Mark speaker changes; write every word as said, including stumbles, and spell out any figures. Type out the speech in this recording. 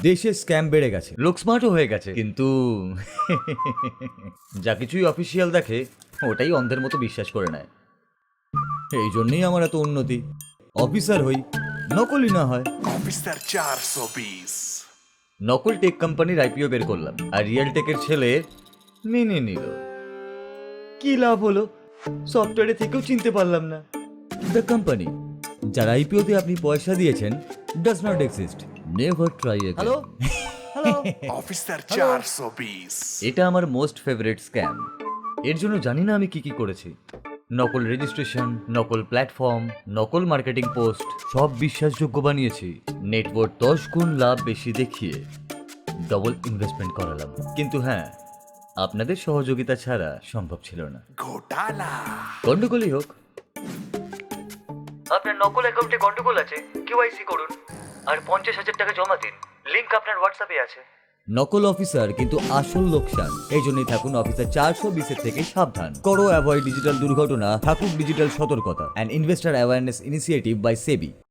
Speaker 1: দেশে স্ক্যাম বেড়ে গেছে, লোক স্মার্টও হয়ে গেছে, কিন্তু যা কিছুই অফিসিয়াল দেখে ওটাই অন্ধের মতো বিশ্বাস করে নেয়। এই জন্যই আমার এত উন্নতি। অফিসার হই, নকলই না হয়।
Speaker 2: অফিসার চারশো বিশ।
Speaker 1: নকল টেক কোম্পানির আইপিও বের করলাম, আর রিয়েল টেকের ছেলে মেনে নিল। কি লাভ হলো? সফটওয়্যারে থেকেও চিনতে পারলাম না। দ্য কোম্পানি যার আইপিওতে আপনি পয়সা দিয়েছেন does not exist. Never try again. Hello hello.
Speaker 2: Officer চারশো বিশ।
Speaker 1: এটা আমার মোস্ট ফেভারিট স্ক্যাম। এর জন্য জানি না আমি কি কি করেছি। নকল রেজিস্ট্রেশন, নকল প্ল্যাটফর্ম, নকল মার্কেটিং পোস্ট, সব বিশ্বাসযোগ্য বানিয়েছি। নেটওয়ার্ক দশ গুণ লাভ বেশি দেখিয়ে ডবল ইনভেস্টমেন্ট করালাম। কিন্তু হ্যাঁ, আপনাদের সহযোগিতা ছাড়া সম্ভব ছিল না।
Speaker 2: ঘোটালা।
Speaker 1: গন্ডগোলই হোক। আপনার নকল অ্যাকাউন্টে গন্ডগোল আছে, কেওয়াইসি করুন আর পঞ্চাশ হাজার টাকা জমা দিন। লিংক আপনার হোয়াটসঅ্যাপে আছে। নকল অফিসার কিন্তু আসল লোকসান। এই জন্যই থাকুন অফিসার চারশো বিশের থেকে সাবধান। করো অ্যাভয়েড ডিজিটাল দুর্ঘটনা, থাকুক ডিজিটাল সতর্কতা। And investor awareness initiative by SEBI.